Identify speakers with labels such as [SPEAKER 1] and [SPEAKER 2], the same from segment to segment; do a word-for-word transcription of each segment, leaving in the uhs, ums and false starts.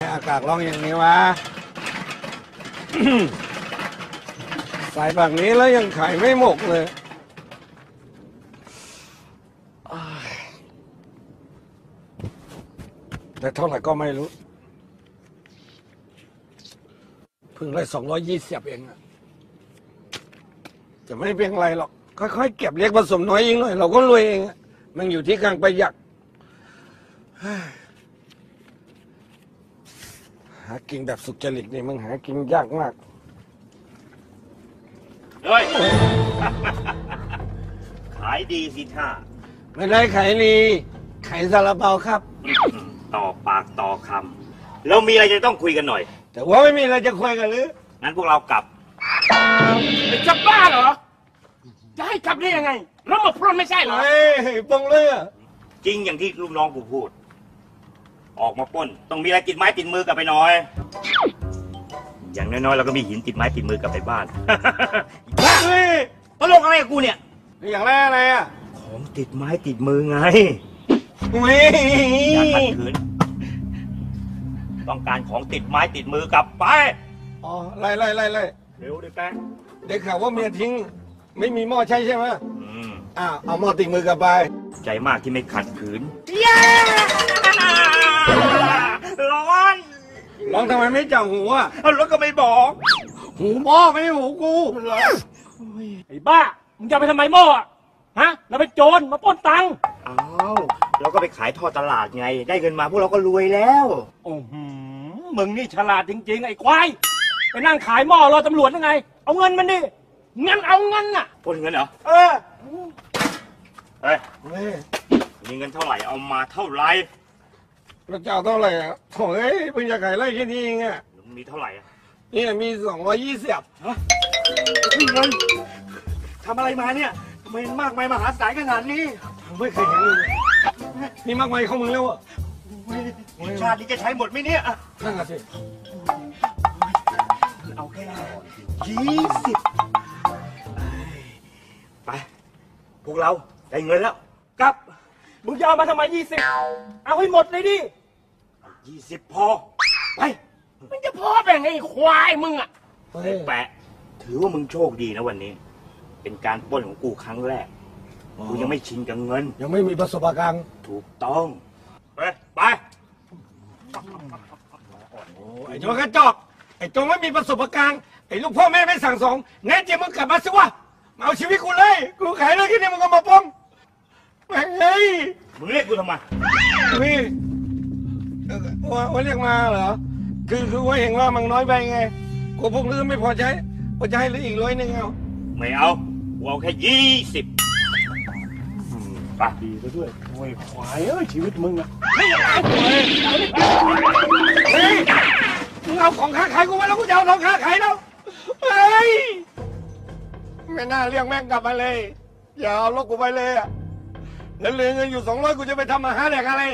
[SPEAKER 1] อากาศร้อนอย่างนี้วะ ใส่แบบนี้แล้วยังไข่ไม่หมกเลยแต่เท่าไหร่ก็ไม่รู้เพิ่งได้สองร้อยยี่สิบเองอะจะไม่เป็นไรหรอกค่อยๆเก็บเล็กผสมน้อยยิ่งหน่อยเราก็รวยเองมันอยู่ที่การประหยัดหากินแบบสุจริตนี่มันหากินยากมาก
[SPEAKER 2] เฮ้ย ขายดีสิท่า
[SPEAKER 1] ไม่ได้ขายดีขายซาลาเปาครับ
[SPEAKER 2] ต่อปากต่อคำเรามีอะไรจะต้องคุยกันหน่อย
[SPEAKER 1] แต่ว่าไม่มีอะไรจะคุยกันหรือ
[SPEAKER 2] งั้นพวกเรากลับ
[SPEAKER 3] จะบ้าเหรอจะให้กลับได้ยังไงเรามาพรนไม่ใช่เหรอ
[SPEAKER 1] เฮ้ยปงเลยอะ
[SPEAKER 2] จริงอย่างที่ลูกน้องกูพูดออกมาปล้นต้องมีอะไรติดไม้ติดมือกลับไปหน่อยอย่างน้อยๆเราก็มีหินติดไม้ติดมือกลับไปบ้าน
[SPEAKER 1] เฮ้ย
[SPEAKER 2] ตลกอะไรกับกูเนี่ย
[SPEAKER 1] อย่างแรกอะไรอะ
[SPEAKER 2] ของติดไม้ติดมือไง
[SPEAKER 1] อย่า
[SPEAKER 2] ขัดขืนต้องการของติดไม้ติดมือกลับไป
[SPEAKER 1] อ๋อไล่ไล่ไล่ไล่
[SPEAKER 2] เร็วดิแป๊ะ
[SPEAKER 1] ได้ข่าวว่าเมียทิ้งไม่มีหม้อใช่ใช่ไหม
[SPEAKER 2] อืม
[SPEAKER 1] อ้าวเอาหม้อติดมือกลับไป
[SPEAKER 2] ใจมากที่ไม่ขัดขืนร้อน
[SPEAKER 1] ร้องทำไมไม่จับหูอ่ะ
[SPEAKER 2] แล้วก็ไม่บอก
[SPEAKER 1] หูหม้อไม่ใช่หูกู
[SPEAKER 3] ไอ้บ้ามึงจะไปทำไมหม้ออ่ะฮะเราไปโจรมาปล้นตังค์
[SPEAKER 2] อ้าวเราก็ไปขายทอดตลาดไงได้เงินมาพวกเราก็รวยแล้ว
[SPEAKER 3] โอ้โหมึงนี่ฉลาดจริงๆไอ้ควายไปนั่งขายหม้อรอตำรวจยังไงเอาเงินมันดิเงินเอาเงินน่ะ
[SPEAKER 2] ปล้นเงินเหรอ
[SPEAKER 3] เออ
[SPEAKER 2] เฮ้ยมีเงินเท่าไหร่เอามาเท่าไหร่
[SPEAKER 1] พระเจ้าเท่าไหร่อ่ะโถ่เอ้ยเพิ่งจะขายไร่แค่นี้เองอ่ะ
[SPEAKER 2] มีเท่าไหร่อ่ะ
[SPEAKER 1] นี่มีสองร้อยยี่สิบ
[SPEAKER 2] ฮะเงินทำอะไรมาเนี่ยทำไมมากมายมหาศาลขนาดนี้
[SPEAKER 1] ไม่เคยเห็นเลยนี่มากมายเข้ามึงแล้วอ่ะ
[SPEAKER 2] ชาตินี้จะใช้หมดไหมเนี่ย
[SPEAKER 1] นั่นน่ะสิ
[SPEAKER 2] เอาแค่ยี่สิบไปพวกเราได้เงินแล้ว
[SPEAKER 3] กลับมึงจะเอามาทำไมยี่สิบเอาให้หมดเลยดิ
[SPEAKER 2] ยี่สิบพอไป
[SPEAKER 3] มันจะพอแบ่งไอ้ควายมึงอ่ะ
[SPEAKER 2] แปะถือว่ามึงโชคดีนะวันนี้เป็นการปล้นของกูครั้งแรกกูยังไม่ชินกับเงิน
[SPEAKER 1] ยังไม่มีประสบการณ์
[SPEAKER 2] ถูกต้องไปไป
[SPEAKER 1] ไอ้โจกระจอกไอ้โจไม่มีประสบการณ์ไอ้ลูกพ่อแม่ไม่สั่งสอนแน่จริงมึงกลับมาสิวะมาเอาชีวิตกูเลยกูขายเลยที่นี่มึงก็มาป้องแม่งเฮ้ย
[SPEAKER 2] มึงเรียกกูทำไม
[SPEAKER 1] พี่ว่าว่าเรียกมาเหรอคือคือว่าเห็นว่ามันน้อยไปไงกูพวกลืมไม่พอใช้พอจะให้เหลืออีกร้อยหนึ่งเอา
[SPEAKER 2] ไม่เอากูเอาแค่ยี่สิบ
[SPEAKER 3] ปากดีซะด้วยโอ้ยควายเอ้ยชีวิตมึงอะ
[SPEAKER 1] เฮ้ยมึงเอาของค้าขายกูมาแล้วกูจะเอาของค้าขายแล้วเฮ้ยไม่น่าเรียกแม่งกลับมาเลยอย่าเอารถกูไปเลยอะแล้วเหลือเงินอยู่สองร้อยกูจะไปทำอาหารแดกอะไร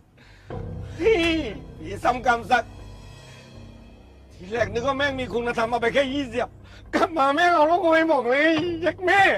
[SPEAKER 1] พี่ซ้ำกรรมสักทีแรกนึกว่าแม่งมีคุณธรรมมาไปแค่ยี่สิบกลับมาแม่งเอารถกูไปหมดเลยยักแม่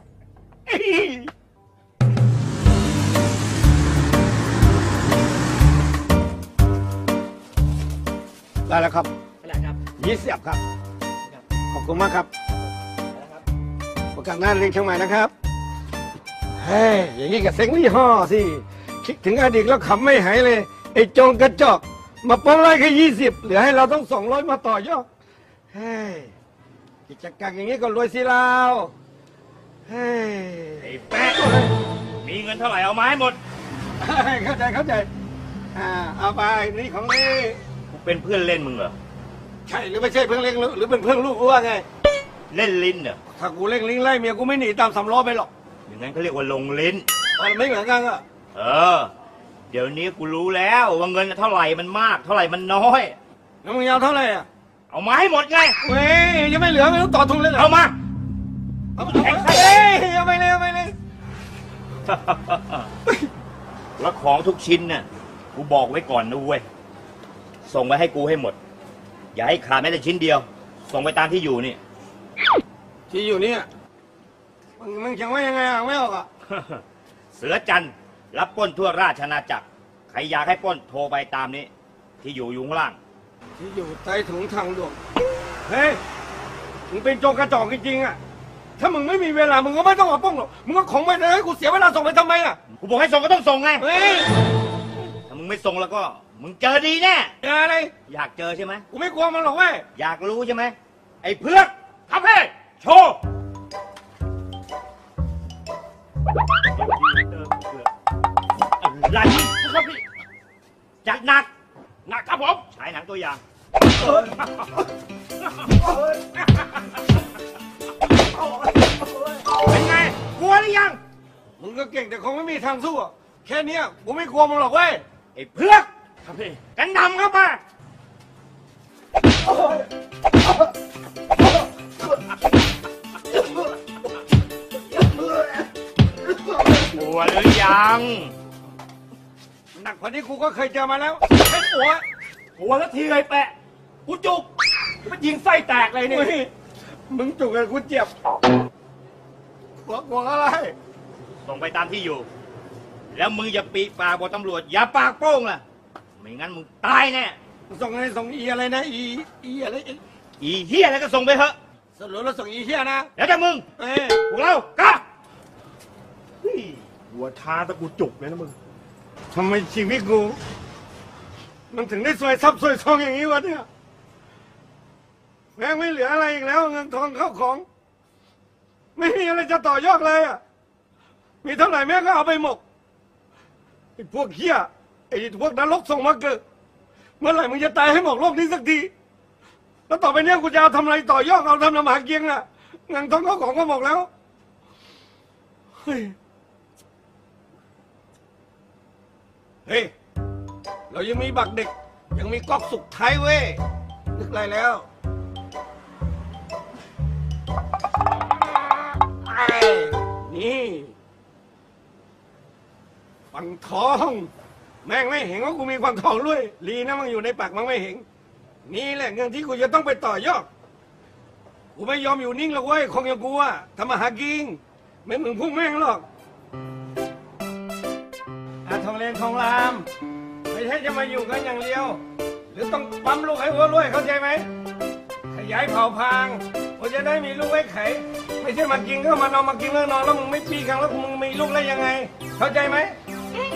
[SPEAKER 1] ได้แล้วครับ
[SPEAKER 3] ได้ครับ
[SPEAKER 1] ยี่สิบครับขอบคุณมากครับประกาศหน้าเรียนเชียงใหม่นะครับเฮ้ยอย่างนี้กับเซ็งลี่ห่อสิคิดถึงอดีตแล้วขำไม่หายเลยไอ้โจงกระจอกมาป้องไล่แค่ยี่สิบเหลือให้เราต้องสองร้อยมาต่อยอดเฮ้ยกิจการอย่างนี้ก็รวยสิเราเฮ้ย
[SPEAKER 2] ไอ้แป๊ะมีเงินเท่าไหร่เอามาให้หมด
[SPEAKER 1] เข้าใจเข้าใจอ่าเอาไปนี่ของนี่
[SPEAKER 2] กูเป็นเพื่อนเล่นมึงเหรอ
[SPEAKER 1] ใช่หรือไม่ใช่เพื่อนเล่นหรือเป็นเพื่อนลูกกูว่าไง
[SPEAKER 2] เล่นลิ้นเหรอ
[SPEAKER 1] ถ้ากูเล่นลิ้นไล่เมียกูไม่หนีตามสำล้อไปหรอก
[SPEAKER 2] อย่างนั้นเขาเรียกว่าลงลิ้น
[SPEAKER 1] มันไม่เหมือนกันอ่ะ
[SPEAKER 2] เออเดี๋ยวนี้กูรู้แล้วว่าเงินเท่าไหร่มันมากเท่าไหร่มันน้อย
[SPEAKER 1] แล้วมึงเอาเท่าไหร่อ่ะ
[SPEAKER 2] เอามาให้หมดไง
[SPEAKER 1] เว้ยยังไม่เหลือไม่ต้องต่อทุนเลยเหรอ
[SPEAKER 2] เอามา
[SPEAKER 1] เอามาเฮ้ยยังไม่เลยยังไม่เลย
[SPEAKER 2] แล้วของทุกชิ้นน่ะกูบอกไว้ก่อนนะเว้ยส่งไว้ให้กูให้หมดอย่าให้ขาดแม้แต่ชิ้นเดียวส่งไปตามที่อยู่นี่
[SPEAKER 1] ที่อยู่นี่มึงมึงเขียนไว้ยังไงอ่ะไม่ออกอ่ะ
[SPEAKER 2] เสือจันทร์รับปล้นทั่วราชอาณาจักรใครอยากให้ปล้นโทรไปตามนี้ที่อยู่อยู่ข้างล่าง
[SPEAKER 1] ที่อยู่ใต้ถุงทางด่วนเฮ้ยมึงเป็นโจรกระจอกจริงๆอ่ะถ้ามึงไม่มีเวลามึงก็ไม่ต้องมาป้องหรอกมึงก็ของไปเลยให้กูเสียเวลาส่งไปทำไมอ่ะ
[SPEAKER 2] กูบอกให้ส่งก็ต้องส่งไง
[SPEAKER 1] เฮ้ย
[SPEAKER 2] ถ้ามึงไม่ส่งแล้วก็ มึงเจอดีแน่
[SPEAKER 1] เจออะไร
[SPEAKER 2] อยากเจอใช่ไหม
[SPEAKER 1] กูไม่กลัวมันหรอกเว้ย
[SPEAKER 2] อยากรู้ใช่ไหมไอ้เพือก
[SPEAKER 3] ครับพี่
[SPEAKER 2] โชว์ อะไร
[SPEAKER 3] ครับพี่
[SPEAKER 2] จัดหนัก
[SPEAKER 3] หนักครับผม
[SPEAKER 2] ฉายหนังตัวอย่าง เป็นไง กลัวหรือยัง
[SPEAKER 1] มึงก็เก่งแต่คงไม่มีทางสู้อะแค่เนี้ยกูไม่กลัวมึงหรอกเว้ย
[SPEAKER 2] ไอ้เพือก
[SPEAKER 3] ครับพี่
[SPEAKER 2] กันนำเข้ามา กลัวหรือยัง
[SPEAKER 1] หนักกว่านี้กูก็เคยเจอมาแล้วไอ้หัว
[SPEAKER 3] หัวละทีเลยแปะกูจุกมันยิงไส้แตกเลยนี่
[SPEAKER 1] เฮ้ยมึงจุกกับกูเจ็บกลัวกลัวอะไร
[SPEAKER 2] ส่งไปตามที่อยู่ แล้วมึงอย่าปีปากบอกตำรวจ อย่าปากโป้งล่ะ ไม่งั้นมึงตายแน่
[SPEAKER 1] ส่งอะไรส่งอีอะไรนะอีอีอะไรอี
[SPEAKER 2] อีเฮียอะไรก็ส่งไปเถอะ
[SPEAKER 1] สรุปแล้วส่งอีเหี้ยนะ
[SPEAKER 2] แล้วแต่มึง
[SPEAKER 1] เอ้ย
[SPEAKER 2] พวกเรากลับ
[SPEAKER 3] หัวท้าตะกูจุกเลยนะมึง
[SPEAKER 1] ทำไมชีวิตกูมันถึงได้ซวยซับซวยทองอย่างนี้วะเนี่ยแม่งไม่เหลืออะไรอีกแล้วเงินทองเข้าของ ไม่มีอะไรจะต่อยอดเลยอ่ะมีเท่าไหร่แม่งก็เอาไปหมกไอ้พวกเหี้ยไอ้พวกนรกส่งมาเกิดเมื่อไหร่มึงจะตายให้หมดโลกนี้สักทีแล้วต่อไปเนี้ยกูจะเอาทำอะไรต่อยอดเอาทำน้ำหาเกียงอ่ะเงินทองเข้าของก็หมดแล้วเฮ้ยเฮ้ยเรายังมีบักเด็กยังมีก๊อกสุกท้ายเว้ยนึกอะไรแล้วไอ้นี่ฟันทองแม่งไม่เห็นว่ากูมีฟันทองด้วยลีนะมันอยู่ในปากมันไม่เห็นนี่แหละเงินที่กูจะต้องไปต่อยอดกูไม่ยอมอยู่นิ่งหรอกเว้ยคงอย่างกูอะทำมาหากินไม่เหมือนพวกแม่งหรอกอาทองเลนทองรามไม่ใช่จะมาอยู่กันอย่างเดียวหรือต้องปั๊มลูกให้วัวรวยเข้าใจไหมขยายเผ่าพางกูจะได้มีลูกไว้ไขไม่ใช่มากินก็มานอนมากินก็นอนแล้วมึงไม่ปีกันแล้วมึงมีลูกได้ยังไง เข้าใจไหมเอ้ย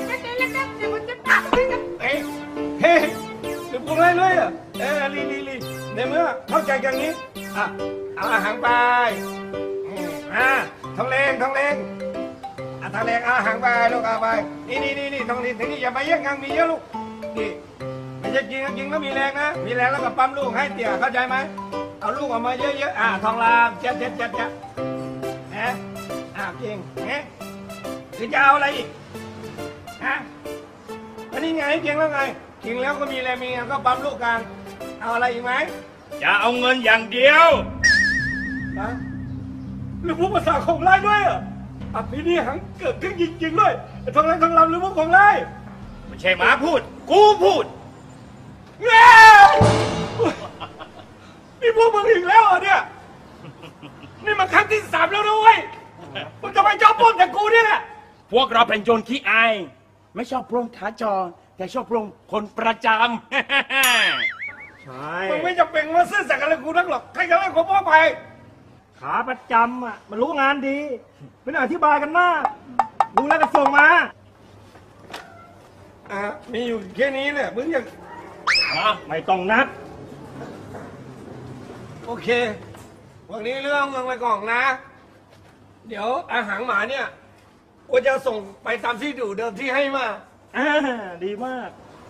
[SPEAKER 1] เฮ้ยหรือพวกไรเลยอ่ะเออลีลีลีในเมื่อเข้าใจกันนี้อ่ะเอาอาหารไปอืมอ่ะทองเลงทองเลงอ่ะทองเลงเอาอาหารไปลูกเอาไปนี่นี่นี่นี่ทองเลงทีนี้อย่าไปแย่งกันมีเยอะลูกนี่ไม่ใช่กินก็กินก็มีแรงนะมีแรงแล้วก็ปั๊มลูกให้เตี่ยเข้าใจไหมเอาลูกออกมาเยอะๆอ่ะทองรามเจ็ดเจ็ดเจ็ดเจ็ดนะอ่ะเก่งเงี้ยหรือจะเอาอะไรอีกฮะอันนี้ไงเก่งแล้วไงกินแล้วก็มีแรงมีแรงก็ปั๊มลูกกันเอาอะไรอีกไหม
[SPEAKER 2] จะเอาเงินอย่างเดียว
[SPEAKER 1] นะหรือพวกภาษาของไล่ด้วยอ่ะอภินิหังเกิดขึ้นจริงๆด้วยไอ้ทองแรงทองรำหรือพวกของไล่
[SPEAKER 2] ไม่ใช่หมาพูด กูพูด
[SPEAKER 1] เงี้ยนี่พวกมึงอีกแล้วเหรอเนี่ยนี่มันครั้งที่สามแล้วนะเว้ยมึงจะไปจอบปล้นแต่กูเนี่ยแหละ
[SPEAKER 3] พวกเราเป็นโจรขี้อาย ไม่ชอบปล้นขาจร แต่ชอบปล้นคนประจำ ใช่
[SPEAKER 1] มึงไม่จำเป็นมาซื่อสัตย์กับกูนักหรอกใครจะเล่นของพ่อไป
[SPEAKER 3] ขาประจำอ่ะ มันรู้งานดีไม่ต้องอธิบายกันมากดูแล้วก็ส่งมา
[SPEAKER 1] อ่ะมีอยู่แค่นี้เนี่ยมึงยัง
[SPEAKER 3] อ่ะไม่ต้องนัด
[SPEAKER 1] โอเควันนี้เรื่องมึงไปก่อนนะ เดี๋ยวอาหารหมาเนี่ยกูจะส่งไปตามที่ดูเดิมที่ให้มา
[SPEAKER 3] อ่าดีมาก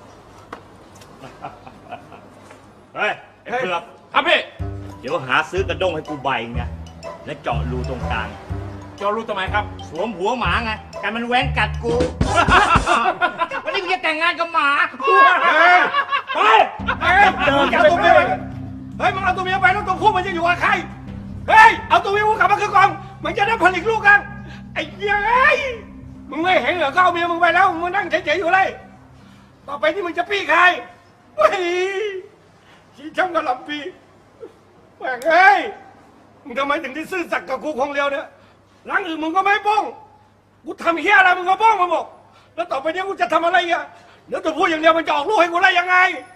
[SPEAKER 2] เฮ้ยไอ้เผือก
[SPEAKER 3] ครับพี่
[SPEAKER 2] เดี๋ยวหาซื้อกระด้งให้กูใบไงและเจาะรูตรงกลาง
[SPEAKER 3] จอรู้ทำไมครับ
[SPEAKER 2] สวมหัวหมาไงกันมันแหว้งกัดกู วันนี้กูจะแต่งงานกับหมา
[SPEAKER 1] เฮ้ยไปเฮ้ยมึงเอาตัวเมียไปเฮ้ยมึงเอาตัวเมียไปแล้วตัวผู้มันจะอยู่กับใครเฮ้ยเอาตัวเมียกูกลับมาคือกองมันจะได้ผลิตลูกกันไอ้เหี้ยเอ้ยมึงไม่เห็นเหรอก็เอาเมียมึงไปแล้วมึงนั่งเฉยๆอยู่เลยต่อไปที่มึงจะปี้ใครเฮ้ยชี้ช่างกระหล่ำปีแม่งเอ้ยมึงทำไมถึงได้ซื่อสัตย์กับกูคงเดียวเนี่ยหลังอื่นมึงก็ไม่ป้องกูทำเหี้ยอะไรมึงก็ป้องมาหมดแล้วต่อไปเนี้ยกูจะทำอะไรอ่ะเดี๋ยวตัวพูดอย่างเดียวมันจะออกลูกให้กูได้ยังไง